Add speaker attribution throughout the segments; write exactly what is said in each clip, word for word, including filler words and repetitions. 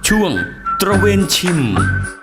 Speaker 1: ช่วงตระเวนชิม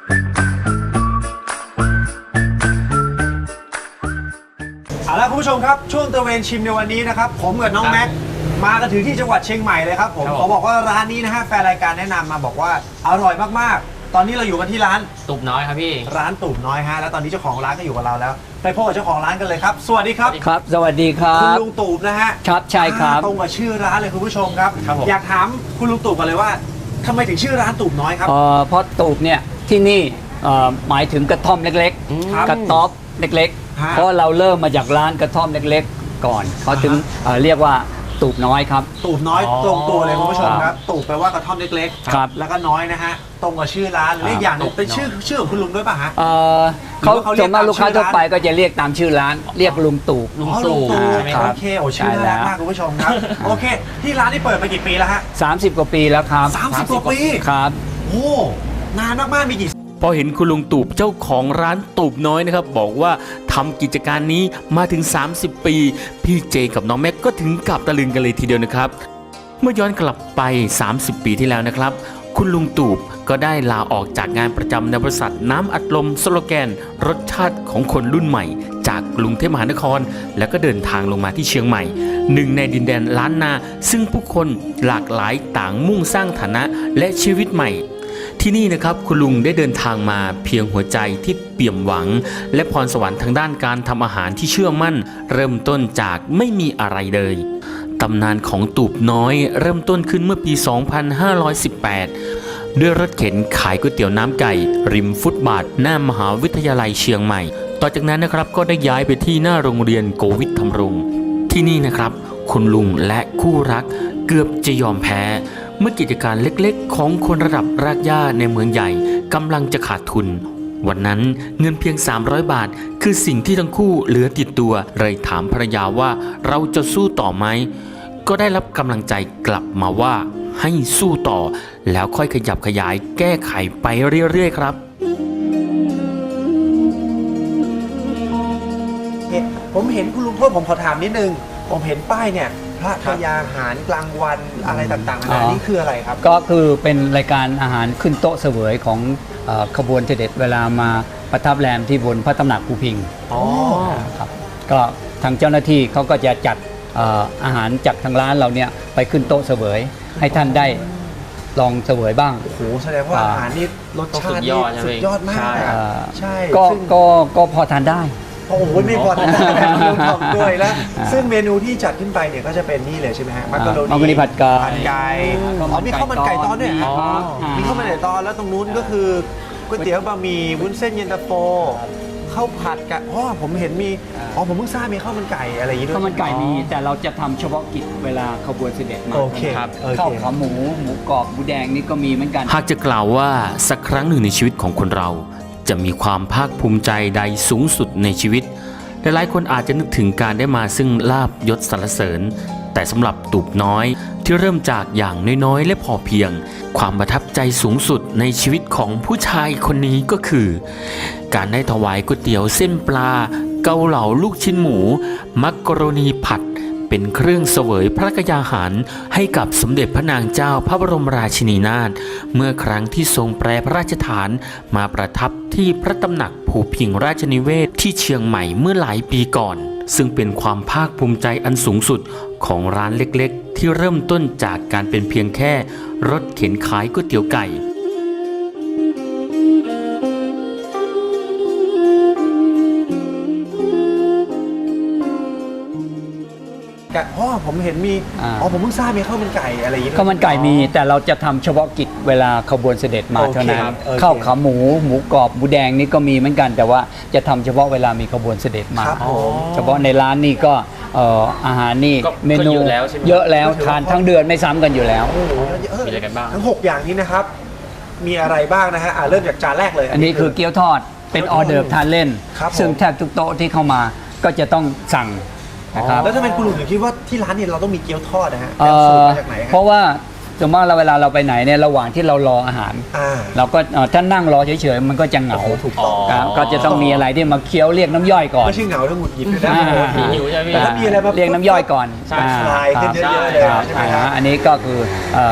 Speaker 2: เอาละคุณผู้ชมครับช่วงตระเวนชิมในวันนี้นะครับผมกับน้องแม็กมากันถึงที่จังหวัดเชียงใหม่เลยครับผมขอบอกว่าร้านนี้นะฮะแฟนรายการแนะนำมาบอกว่าอร่อยมากๆตอนนี้เราอยู่กันที่ร้าน
Speaker 3: ตูบน้อยครับพี่
Speaker 2: ร้านตูบน้อยฮะแล้วตอนนี้เจ้าของร้านก็อยู่กับเราแล้วไปพบกับเจ้าของร้านกันเลยครับสวัสดีครับ
Speaker 4: ครับสวัสดีครั
Speaker 2: คุณ
Speaker 4: บ
Speaker 2: ลุงตูบนะฮะ
Speaker 4: ครับใช่ครับ
Speaker 2: ตรงกับชื่อร้านเลยคุณผู้ชมครับ
Speaker 3: ครับผม
Speaker 2: อยากถามคุณลุงตูบกันเลยว่าทำไมถึงชื่อร้านตูบน้อยครับ
Speaker 4: เอ่อเพราะตูบเนี่ยที่นี่เอ่อหมายถึงกระท่อมเล็ก
Speaker 2: ครับ
Speaker 4: ๆ กระต๊อบเล็ก
Speaker 2: ฮะ
Speaker 4: ๆ เพราะเราเริ่มมาจากร้านกระท่อมเล็กๆ ก่อนเขาถึง
Speaker 2: อ่าฮะ
Speaker 4: เอ่อเรียกว่าตูบน้อยครับ
Speaker 2: ตูบน้อย
Speaker 3: อ๋อ
Speaker 2: ตรงตัวเลยคุณผู้ชมครับตูบแปลว่ากระท่อมเล็กๆ
Speaker 4: ครับ
Speaker 2: แล้วก็น้อยนะฮะตรงกับชื่อร้านและอีกอย่างหนึง
Speaker 3: ตูบ
Speaker 2: เป็นชื่อชื่อของคุณลุงด้วยป่ะฮะ
Speaker 4: เอ่อ
Speaker 2: หรือ
Speaker 4: เขา
Speaker 2: ว่าเขาเรี
Speaker 4: ส่
Speaker 2: ยก
Speaker 4: วนมากลูกค้า
Speaker 2: ตามชื่อ
Speaker 4: ทั่วไป
Speaker 2: ร้าน
Speaker 4: ก็จะเรียกตามชื่อร้าน เรียกลุงตูบ
Speaker 3: ลุง
Speaker 2: อ๋อ
Speaker 3: ตู่
Speaker 2: ตู่
Speaker 3: ใช่ไหมครับ
Speaker 2: โอเคโอ้ชื่อน่ารักมากคุณผู้ชมครับ โอเค ที่ร้านนี่เปิดมากี่ปีแล้วฮะ
Speaker 4: สามสิบกว่าปีแล้วครับ
Speaker 2: สามสิบกว่าปี
Speaker 4: ครับ
Speaker 2: โอ้นานมากๆมีกี่
Speaker 1: พอเห็นคุณลุงตูบเจ้าของร้านตูบน้อยนะครับบอกว่าทำกิจการนี้มาถึงสามสิบปีพี่เจกับน้องแม็กก็ถึงกับตะลึงกันเลยทีเดียวนะครับเมื่อย้อนกลับไปสามสิบปีที่แล้วนะครับคุณลุงตูบก็ได้ลาออกจากงานประจำในบริษัทน้ำอัดลมสโลแกนรสชาติของคนรุ่นใหม่จากกรุงเทพมหานครแล้วก็เดินทางลงมาที่เชียงใหม่หนึ่งในดินแดนล้านนาซึ่งผู้คนหลากหลายต่างมุ่งสร้างฐานะและชีวิตใหม่ที่นี่นะครับคุณลุงได้เดินทางมาเพียงหัวใจที่เปี่ยมหวังและพรสวรรค์ทางด้านการทำอาหารที่เชื่อมั่นเริ่มต้นจากไม่มีอะไรเลยตำนานของตูบน้อยเริ่มต้นขึ้นเมื่อปี สองพันห้าร้อยสิบแปด ด้วยรถเข็นขายก๋วยเตี๋ยวน้ำไก่ริมฟุตบาทหน้ามหาวิทยาลัยเชียงใหม่ต่อจากนั้นนะครับก็ได้ย้ายไปที่หน้าโรงเรียนโกวิทธรรมรงค์ที่นี่นะครับคุณลุงและคู่รักเกือบจะยอมแพ้เมื่อกิจการเล็กๆของคนระดับรากหญ้าในเมืองใหญ่กำลังจะขาดทุนวันนั้นเงินเพียงสามร้อยบาทคือสิ่งที่ทั้งคู่เหลือติดตัวเลยถามภรรยาว่าเราจะสู้ต่อไหมก็ได้รับกำลังใจกลับมาว่าให้สู้ต่อแล้วค่อยขยับขยายแก้ไขไปเรื่อยๆครับ
Speaker 2: ผมเห็นคุณลุงโทษผมขอถามนิดนึงผมเห็นป้ายเนี่ยพระกยาหารกลางวันอะไรต่างๆนานานี่คืออะไรครับ
Speaker 4: ก็คือเป็นรายการอาหารขึ้นโต๊ะเสวยของเอ่อขบวนเสด็จเวลามาประทับแรมที่บนพระตำหนักภูพิงค์
Speaker 2: อ๋อ
Speaker 4: ครับก็ทางเจ้าหน้าที่เขาก็จะจัดเอ่ออาหารจากทางร้านเราเนี่ยไปขึ้นโต๊ะเสวย ให้ท่านได้ลองเสวยบ้าง
Speaker 2: โอ้โหแสดงว่าอาหารนี่รสชาตินี่
Speaker 3: สุดยอดใช่ไหม
Speaker 2: สุดยอดมาก
Speaker 3: ใช่
Speaker 2: อะ
Speaker 4: เอ่อ
Speaker 2: ใช่
Speaker 4: ก็
Speaker 2: ซึ่ง
Speaker 4: ก็ก็พอทานได้
Speaker 2: โอ้โหไม่พอทานได้คุณลุงทำด้วยแล้ว
Speaker 4: อ่า
Speaker 2: ซึ่งเมนูที่จัดขึ้นไปเนี่ยก็จะเป็นนี่เลยใช่ไหมฮะมักกะโรนี
Speaker 4: มักกะโรนีผัดไก่
Speaker 2: ผัดไก่อ๋อมีข้าวมันไก่ตอนด้วยฮะ
Speaker 3: อ๋อ
Speaker 2: มีข้าวมันไก่ตอนแล้วตรงนู้นก็คือก๋วยเตี๋ยวบะหมี่วุ้นเส้นเย็นตาโฟข้าวผัดกะอ๋อผมเห็นมีอ๋อผมเพิ่งทราบมีข้าวมันไก่อะไรอย่างงี้ด้วย
Speaker 4: ข้าวมันไก่มีแต่เราจะทำเฉพาะกิจเวลาขบวนเสด็จมา
Speaker 2: โอเค
Speaker 3: ครับ
Speaker 2: โอเค
Speaker 4: ข้าวขาหมูหมูกรอบหมูแดงนี่ก็มีเหมือนกัน
Speaker 1: หากจะกล่าวว่าสักครั้งหนึ่งในชีวิตของคนเรา จะมีความภาคภูมิใจใดสูงสุดในชีวิตหลายๆคนอาจจะนึกถึงการได้มาซึ่งลาภยศสรรเสริญ แต่สำหรับตูบน้อยที่เริ่มจากอย่างน้อยๆและพอเพียง ความประทับใจสูงสุดในชีวิตของผู้ชายคนนี้ก็คือ การได้ถวายก๋วยเตี๋ยวเส้นปลา เกาเหลาลูกชิ้นหมู มักกะโรนีผัดเป็นเครื่องเสวยพระกยาหารให้กับสมเด็จพระนางเจ้าพระบรมราชินีนาถเมื่อครั้งที่ทรงแปรพระราชฐานมาประทับที่พระตำหนักภูพิงราชนิเวศที่เชียงใหม่เมื่อหลายปีก่อน ซึ่งเป็นความภาคภูมิใจอันสูงสุดของร้านเล็กๆที่เริ่มต้นจากการเป็นเพียงแค่รถเข็นขายก๋วยเตี๋ยวไก่
Speaker 2: กะอ๋อผมเห็นมี
Speaker 4: อ่า
Speaker 2: อ๋อผมเพิ่งทราบมีข้าวมันไก่อะไรอย่างงี้ด้วย
Speaker 4: ข้าวมันไก่มีแต่เราจะทำเฉพาะกิจเวลาขบวนเสด็จมา
Speaker 2: โอเค
Speaker 4: เท่านั้น
Speaker 2: ครับโอเค
Speaker 4: ข้าวขาหมูหมูกรอบหมูแดงนี่ก็มีเหมือนกัน แต่ว่าจะทำเฉพาะเวลามีขบวนเสด็จมา
Speaker 2: ครับผม
Speaker 4: เฉพาะในร้านนี่ก็เอ่ออาหารนี่
Speaker 3: ก็
Speaker 4: เมนู
Speaker 3: ก็เยอะแล้วใช่ไหม
Speaker 4: เยอะแล้วทานทั้งเดือนไม่ซ้ำกันอยู่แล้ว
Speaker 2: โอ้โหเออ
Speaker 3: มีอะไรกันบ้าง
Speaker 2: ทั้งหกอย่างนี้นะครับ มีอะไรบ้างนะฮะอ่าเริ่มจากจานแรกเลย
Speaker 4: อันนี้คือเกี๊ยวทอดเป็นออเดิร์ฟทานเล่น
Speaker 2: ครับผม
Speaker 4: ซึ่งแทบทุกโต๊ะที่เข้ามาก็จะต้องสั่งนะครับ
Speaker 2: แล้วทำไมคุณลุงถึงคิดว่าที่ร้านเนี่ยเราต้องมีเกี๊ยวทอดนะฮะ
Speaker 4: เอ่
Speaker 2: เป็นสูตร
Speaker 4: อ
Speaker 2: มาจากไหน
Speaker 4: เพ
Speaker 2: ฮะ
Speaker 4: ราะว่าสมมติเราเวลาเราไปไหนเนี่ยระหว่างที่เรารออาหาร
Speaker 2: อ่า
Speaker 4: เราก็เอ่อถ้านั่งรอเฉยๆมันก็จะเหงา
Speaker 2: โอ้โหถูกต้อง
Speaker 4: ครับก็จะต้องมีอะไรที่มาเคี้ยวเรียกน้ำย่อยก่อน
Speaker 2: ไม่ใช่เหงาทั้งหงุดหงิดด้วยนะ
Speaker 4: อ่า
Speaker 2: โอ้โห
Speaker 3: หิวใช่ไหม
Speaker 2: แต่ถ้ามีอะไรมา
Speaker 4: เรียกน้ำย่อยก่อน
Speaker 3: ใช่
Speaker 4: อ่า
Speaker 2: คลายขึ้น
Speaker 4: ครับ
Speaker 2: เยอะๆเลย
Speaker 4: ครับ
Speaker 2: ใช่ไหม
Speaker 4: อ่า
Speaker 2: ฮะ
Speaker 4: อันนี้ก็คือเอ่อ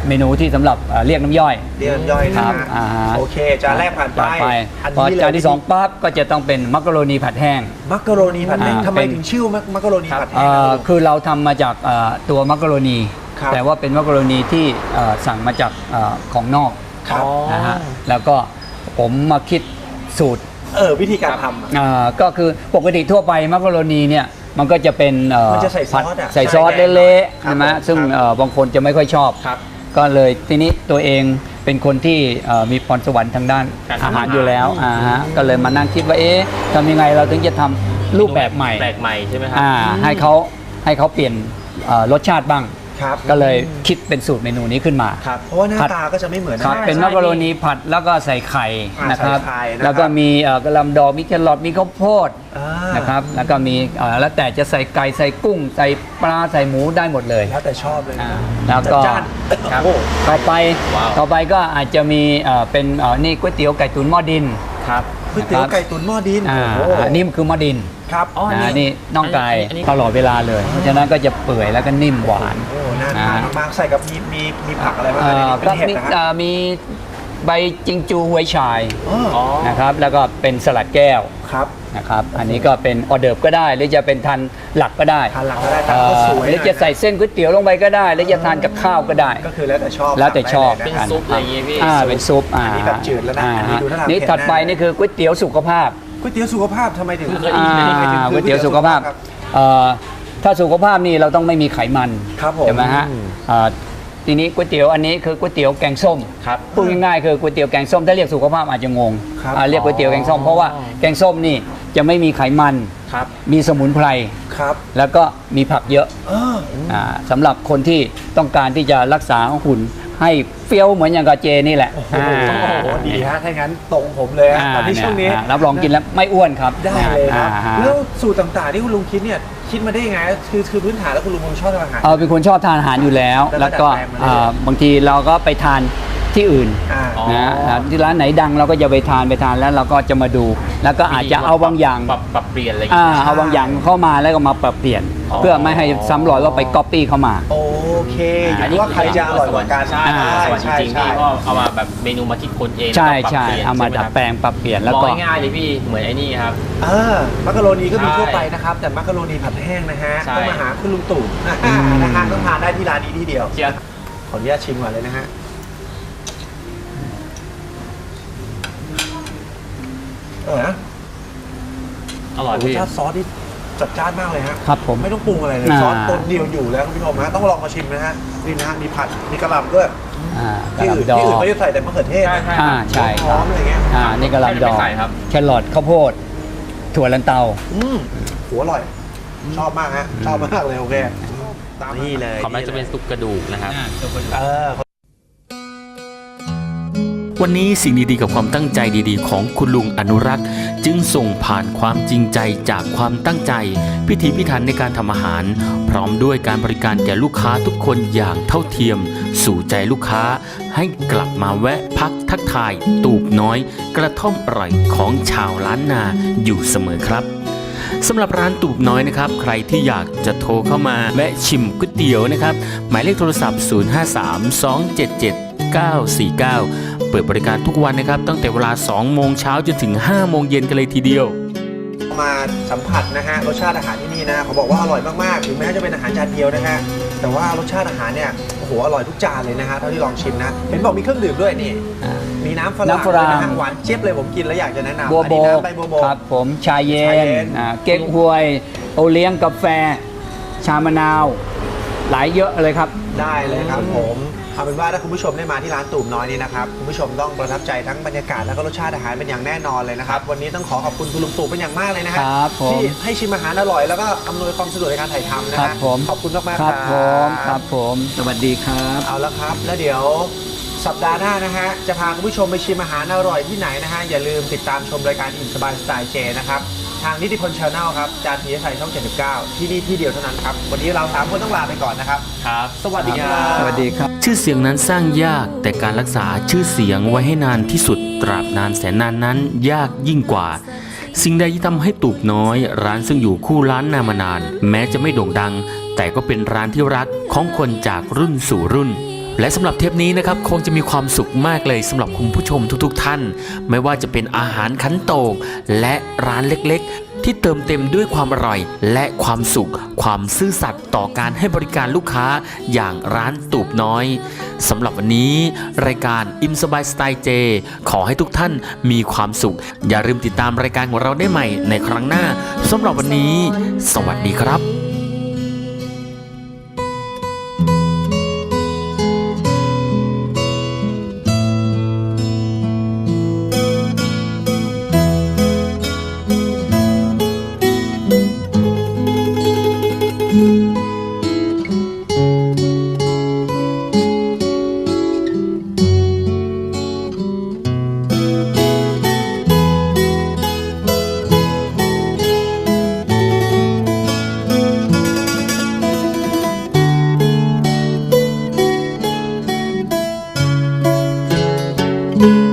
Speaker 4: เมนูที่สำหรับเอ่อเรียกน้ำย่อย
Speaker 2: เรียกน้ำย่อย
Speaker 4: ค
Speaker 2: นะ
Speaker 4: รับ
Speaker 2: ฮะ
Speaker 4: อ่าฮะ
Speaker 2: โอเคจานแรกผ่านไป
Speaker 4: ไป
Speaker 2: อัน
Speaker 4: พอ
Speaker 2: นี้เลย
Speaker 4: จานที่สองปั๊บก็จะต้องเป็นมักกะโรนีผัดแห้ง
Speaker 2: มักกะโรนีผัดแห้ง
Speaker 4: อ่า
Speaker 2: ทำไม
Speaker 4: เป็น
Speaker 2: ถึงชื่อมักมักกะโรนีผัดแห้
Speaker 4: เอ่
Speaker 2: ง
Speaker 4: อ
Speaker 2: ครับ
Speaker 4: คือเราทำมาจากเอ่อตัวมักกะโรนี
Speaker 2: ครับ
Speaker 4: แต่ว่าเป็นมักกะโรนีที่เอ่อสั่งมาจากเอ่อของนอก
Speaker 2: ครับ
Speaker 4: นะฮะแล้วก็ผมมาคิดสูตร
Speaker 2: เออวิธีการทำอะ
Speaker 4: เอ่อก็คือปกติทั่วไปมักกะโรนีเนี่ยมันก็จะเป็นเอ่อ
Speaker 2: มันจะใส่ซอส
Speaker 4: ผัด
Speaker 2: อะ
Speaker 4: ใส่ซอส
Speaker 2: ใช่
Speaker 4: เละ
Speaker 2: ครับ
Speaker 4: ๆใช่ไหม
Speaker 2: ผม
Speaker 4: ซึ่ง
Speaker 2: ครับ
Speaker 4: เอ่อบางคนจะไม่ค่อยชอบ
Speaker 2: ครับ
Speaker 4: ก็เลยทีนี้ตัวเองเป็นคนที่เอ่อมีพรสวรรค์ทางด้าน
Speaker 2: การทำ
Speaker 4: อาหาร
Speaker 2: อาหาร
Speaker 4: อยู่แล้วอ่าฮะก็เลยมานั่งคิดว่าเอ๊ะทำยังไงเราถึงจะทำรูปแบบใหม่
Speaker 3: แปลกใหม่ใช่ไหมครั
Speaker 4: อ่าให้เขาให้เขาเปลี่ยนเอ่อรสชาติบ้าง
Speaker 2: ครับ
Speaker 4: ก็เลยคิดเป็นสูตรเมนูนี้ขึ้นมา
Speaker 2: ครับเพราะว่าหน้า
Speaker 4: ผัด
Speaker 2: ตาก็จะไม่เหมือน
Speaker 4: ครับ
Speaker 2: ใช่
Speaker 4: เป็นมักกะโรนีผัดแล้วก็ใส่ไข่
Speaker 2: อ่า
Speaker 4: นะครับ
Speaker 2: ใส่ไข่นะครับ
Speaker 4: แล้วก็มีเอ่อกระหลำดอกมีแครอทมีข้าวโพด
Speaker 2: อ่า
Speaker 4: นะครับแล้วก็มีเอ่อแล้วแต่จะใส่ไก่ใส่กุ้ง ใส่ปลาใส่หมูได้หมดเลย
Speaker 2: แล้วแต่ชอบเลย
Speaker 4: อ่าแล้วก็
Speaker 2: จัดจ้าน
Speaker 4: ครับ
Speaker 2: โอ้
Speaker 4: ต่อไป
Speaker 3: ว้าว
Speaker 4: ต่อไปก็อาจจะมีเอ่อเป็นเอ่อนี่ก๋วยเตี๋ยวไก่ตุ๋นหม้อดิน
Speaker 3: ครับ
Speaker 2: ก๋วยเตี๋ยวไก่ตุ๋นหม้อดิน
Speaker 4: อ่า
Speaker 2: โอ้โห
Speaker 4: อันนี้มันคือหม้อดิน
Speaker 2: ครับ
Speaker 3: อ๋ออันนี้
Speaker 4: นะนี่น่องไก่
Speaker 3: อันนี้
Speaker 4: ตลอดเวลาเลย เพราะฉะนั้นก็จะเปื่อยแล้วก็นิ่มหวาน
Speaker 2: โอ้น่าทานมากๆใส่กับมีมีมีผักอะไรบ้าง
Speaker 4: เอ่อ
Speaker 2: เป็
Speaker 4: ก็
Speaker 2: นเห็ด
Speaker 4: มี
Speaker 2: นะฮะ
Speaker 4: เอ่อมีใบจิงจูหวยชาย
Speaker 2: อ๋อ
Speaker 3: อ๋อ
Speaker 4: นะครับแล้วก็เป็นสลัดแก้ว
Speaker 2: ครับ
Speaker 4: นะครับอันนี้ก็เป็นออเดิร์ฟก็ได้ หรือจะเป็นทานหลักก็ได้
Speaker 2: ทานหลังก็ได้ตาม
Speaker 4: เอ่
Speaker 2: ก็
Speaker 4: อ
Speaker 2: สวย
Speaker 4: หรือจะใส่เส้นก๋วยเตี๋ยวลงไปก็ได้ หรือจะทานกับข้าวก็ได้
Speaker 2: ก็คือแล้วแต่ชอบ
Speaker 4: แล้วแต่ชอบ
Speaker 2: สั่
Speaker 3: เป็น
Speaker 2: งได้ลยะ
Speaker 3: ซุปอะไรอย่างงี้พี่
Speaker 4: อ่าเป็นซุปอ่า
Speaker 2: อันนี้แบบจืดแล้วนะ
Speaker 4: อ่า
Speaker 2: อันนี้ดูท่าทาง
Speaker 4: นี่
Speaker 2: เผ็ด
Speaker 4: ถัดไป
Speaker 2: แน่
Speaker 4: นี่คือก๋วยเตี๋ยวสุขภาพ
Speaker 2: ก๋วยเตี๋ยวสุขภาพทำไมถึง
Speaker 3: เคยได้ยิน
Speaker 2: ทำไมถึง
Speaker 4: อ่า
Speaker 2: คือ
Speaker 4: ก๋วยเตี๋ยวสุขภาพ
Speaker 2: ครับ
Speaker 4: เอ่อถ้าสุขภาพนี่เราต้องไม่มีไขมัน
Speaker 2: ครับผม
Speaker 4: ใช่ไหมฮะ
Speaker 2: อืม
Speaker 4: อ่าทีนี้ก๋วยเตี๋ยวอันนี้คือก๋วยเตี๋ยวแกงส้ม
Speaker 3: ครับ
Speaker 4: พูดง่ายๆคือก๋วยเตี๋ยวแกงส้มถ้าเรียกสุขภาพอาจจะงง
Speaker 2: ครับ
Speaker 4: อ่าเรียกก๋วยเตี๋ยวแกงส้ม
Speaker 3: อ๋อ
Speaker 4: เพราะว่าแกงส้มนี่จะไม่มีไขมัน
Speaker 3: ครับ
Speaker 4: มีสมุนไพร
Speaker 2: ครับ
Speaker 4: แล้วก็มีผักเยอะ
Speaker 2: เออ
Speaker 4: อ่าสำหรับคนที่ต้องการที่จะรักษาหุ่นให้เฟี้ยวเหมือนอย่างกับเจนี่แหละ
Speaker 2: โอ้โห
Speaker 4: อ่า
Speaker 2: ดีฮะถ้างั้นตรงผมเลยฮะ
Speaker 4: อ่า
Speaker 2: ตอนที่ช่วงนี้
Speaker 4: เยอ่ารับรองกินแล้วไม่อ้วนครับ
Speaker 2: ได้เลยครับ
Speaker 4: อ่าฮะ
Speaker 2: แล้วสูตรต่างๆที่คุณลุงคิดเนี่ยคิดมาได้ยังไงคือคือพื้นฐานแล้วคุณลุงชอบทำอาหาร
Speaker 4: เออเป็นคนชอบทานอาหารอยู่แล้ว
Speaker 2: แล้
Speaker 4: แล้ว ว
Speaker 2: ก็
Speaker 4: ก็
Speaker 2: ดัดแปลงมาเรื่อย
Speaker 4: อ่าบางทีเราก็ไปทานที่อื่น
Speaker 2: อ่า
Speaker 3: อ๋อ
Speaker 4: นะอ่าที่ร้านไหนดังเราก็จะไปทานไปทานแล้วเราก็จะมาดู แล้วก็อาจจะเอาบางอย่าง
Speaker 3: ปรับปรับเปลี่ยนอะไรอย่าง
Speaker 4: อ่า
Speaker 3: งี้
Speaker 4: เอาบางอย่างเข้ามาแล้วก็มาปรับเปลี่ยน
Speaker 3: อ๋อ
Speaker 4: เพื่อไม่ให้ซ้ำรอยว่าไปก๊อปปี้เข้ามา
Speaker 2: โอเคอยู่ที่ว่าใครจะอร่อยกว่ากัน
Speaker 3: ใช่
Speaker 4: อ่า
Speaker 3: ส่วนจริงๆพี่ก็เอามาแบบเมนูมาคิดคนเอง
Speaker 4: ใช่
Speaker 3: แล้วก็ปรับ
Speaker 4: ใช่
Speaker 3: ปลี่ยน
Speaker 4: เอามา
Speaker 3: ใช่ไห
Speaker 4: ดัด
Speaker 3: ครับ
Speaker 4: แปลงปรับเปลี่ยนแล้ว
Speaker 3: ม
Speaker 4: ก็
Speaker 3: องง่ายๆเลยพี่เหมือนไอ้นี่ครับ
Speaker 2: เออมักกะโรนีก็มี
Speaker 3: ใช่
Speaker 2: ทั่วไปนะครับ แต่มักกะโรนีผัดแห้งนะฮะ
Speaker 3: ใช่
Speaker 2: ต้องมาหาคุณลุงตู่นะฮะต้องทานได้ที่ร้านนี้ที่เดียว
Speaker 3: เชียร์
Speaker 2: ขออนุญาตชิมก่อนเลยนะฮะเออนะ
Speaker 3: อร่อย
Speaker 2: รส
Speaker 3: พี่
Speaker 2: ชาติซอสที่จัดจ้านมากเลยฮะ
Speaker 4: ครับผม
Speaker 2: ไม่ต้องปรุงอะไรเลย
Speaker 4: อ่า
Speaker 2: ซอสตัวเดียวอยู่แล้วคุณผู้ชมฮะต้องลองมาชิมนะฮะนี่นะฮะมีผัดมีกระหล่ำด้วย
Speaker 4: อ่าก
Speaker 2: ที่
Speaker 4: ระห
Speaker 2: อื่น
Speaker 4: ลำดอ
Speaker 2: ที่อื่น
Speaker 4: ก
Speaker 2: เขาจะใส่แต่มะเขือเทศ
Speaker 3: ใช่
Speaker 2: นะ
Speaker 3: ใช่
Speaker 4: อ่าใช่
Speaker 2: หอมอะไรเงี้ย
Speaker 4: อ่านี่กระหลำดอก
Speaker 3: ไม่ใส่ครับ
Speaker 4: แครอทข้าวโพด ถั่วลันเตา
Speaker 2: อืมหัวอร่อย ชอบมากฮะชอบมากเลยโอเคตามนี่เลย
Speaker 3: ของแม่จะเป็นซุปกระดูกนะครับ
Speaker 2: เออ
Speaker 1: วันนี้สิ่งดีๆกับความตั้งใจดีๆ ของคุณลุงอนุรักษ์ จึงส่งผ่านความจริงใจจากความตั้งใจ พิถีพิถันในการทำอาหาร พร้อมด้วยการบริการแก่ลูกค้าทุกคนอย่างเท่าเทียม สู่ใจลูกค้า ให้กลับมาแวะพักทักทาย ตูบน้อย กระท่อมอร่อยของชาวล้านนาอยู่เสมอครับสำหรับร้านตูบน้อยนะครับใครที่อยากจะโทรเข้ามาแวะชิมก๋วยเตี๋ยวนะครับหมายเลขโทรศัพท์ ศูนย์ ห้า สาม สอง เจ็ด เจ็ด เก้า สี่ เก้า เปิดบริการทุกวันนะครับตั้งแต่เวลา สองโมงเช้าจนถึง ห้าโมงเย็นกันเลยทีเดียว
Speaker 2: มาสัมผัสนะฮะรสชาติอาหารที่นี่นะเขาบอกว่าอร่อยมากๆถึงแม้จะเป็นอาหารจานเดียวนะฮะแต่ว่ารสชาติอาหารเนี่ยโอ้โหอร่อยทุกจานเลยนะฮะเท่าที่ลองชิมนะเห็นบอกมีเครื่องดื่มด้วยนี่
Speaker 4: อ่า
Speaker 2: มีน้ำฝรั่ง
Speaker 4: น้ำฝรั่ง
Speaker 2: ด้วยนะฮะหวานเจี๊ยบเลยผมกินแล้วอยากจะแนะนำ
Speaker 4: บัว
Speaker 2: อัน
Speaker 4: โบ
Speaker 2: นี้
Speaker 4: ก
Speaker 2: น้ำใบบัวโบก
Speaker 4: ครับผมชาเย็
Speaker 2: ชาเย็
Speaker 4: น
Speaker 2: น
Speaker 4: อ่าเก๊กฮวย โอเลี้ยงกาแฟ ชามะนาว หลายเยอะเลยครับ
Speaker 2: ได้เลยครับผมเอาเป็นว่าถ้าคุณผู้ชมได้มาที่ร้านตูบน้อยนี่นะครับคุณผู้ชมต้องประทับใจทั้งบรรยากาศแล้วก็รสชาติอาหารเป็นอย่างแน่นอนเลยนะครับวันนี้ต้องขอขอบคุณคุณลุงตู่เป็นอย่างมากเลยนะฮะ
Speaker 4: ครับผม
Speaker 2: ที่ให้ชิมอาหารอร่อยแล้วก็อำนวยความสะดวกในการถ่ายทำนะ
Speaker 4: ครั
Speaker 2: ฮะ
Speaker 4: บผม
Speaker 2: ขอบคุณมากๆ
Speaker 4: ค
Speaker 2: ค
Speaker 4: รั
Speaker 2: รั
Speaker 4: บบ ผมครับผม สวัสดีครับ
Speaker 2: เอาละครับแล้วเดี๋ยวสัปดาห์หน้านะฮะจะพาคุณผู้ชมไปชิมอาหารอร่อยที่ไหนนะฮะอย่าลืมติดตามชมรายการอิ่มสบายสไตล์เจนะครับทางนิติพลชาแนลครับจานทีไทยช่องเจ็ดสิบเก้าที่นี่ที่เดียวเท่านั้นครับวันนี้เราสามคนต้องลาไปก่อนนะครับ
Speaker 3: ครับ
Speaker 2: สวัสดีครับ
Speaker 4: สวัสดีครับ
Speaker 1: ชื่อเสียงนั้นสร้างยากแต่การรักษาชื่อเสียงไว้ให้นานที่สุดตราบนานแสนนานนั้นยากยิ่งกว่า สิ่งใดที่ทำให้ตูบน้อย ร้านซึ่งอยู่คู่ร้านนามานาน แม้จะไม่โด่งดัง แต่ก็เป็นร้านที่รักของคนจากรุ่นสู่รุ่นและสำหรับเทปนี้นะครับคงจะมีความสุขมากเลยสำหรับคุณผู้ชมทุกๆท่านไม่ว่าจะเป็นอาหารขันโตกและร้านเล็กๆที่เติมเต็มด้วยความอร่อยและความสุขความซื่อสัตย์ต่อการให้บริการลูกค้าอย่างร้านตูบน้อยสำหรับวันนี้รายการอิ่มสบายสไตล์เจขอให้ทุกท่านมีความสุขอย่าลืมติดตามรายการของเราได้ใหม่ในครั้งหน้าสำหรับวันนี้สวัสดีครับ
Speaker 5: thank you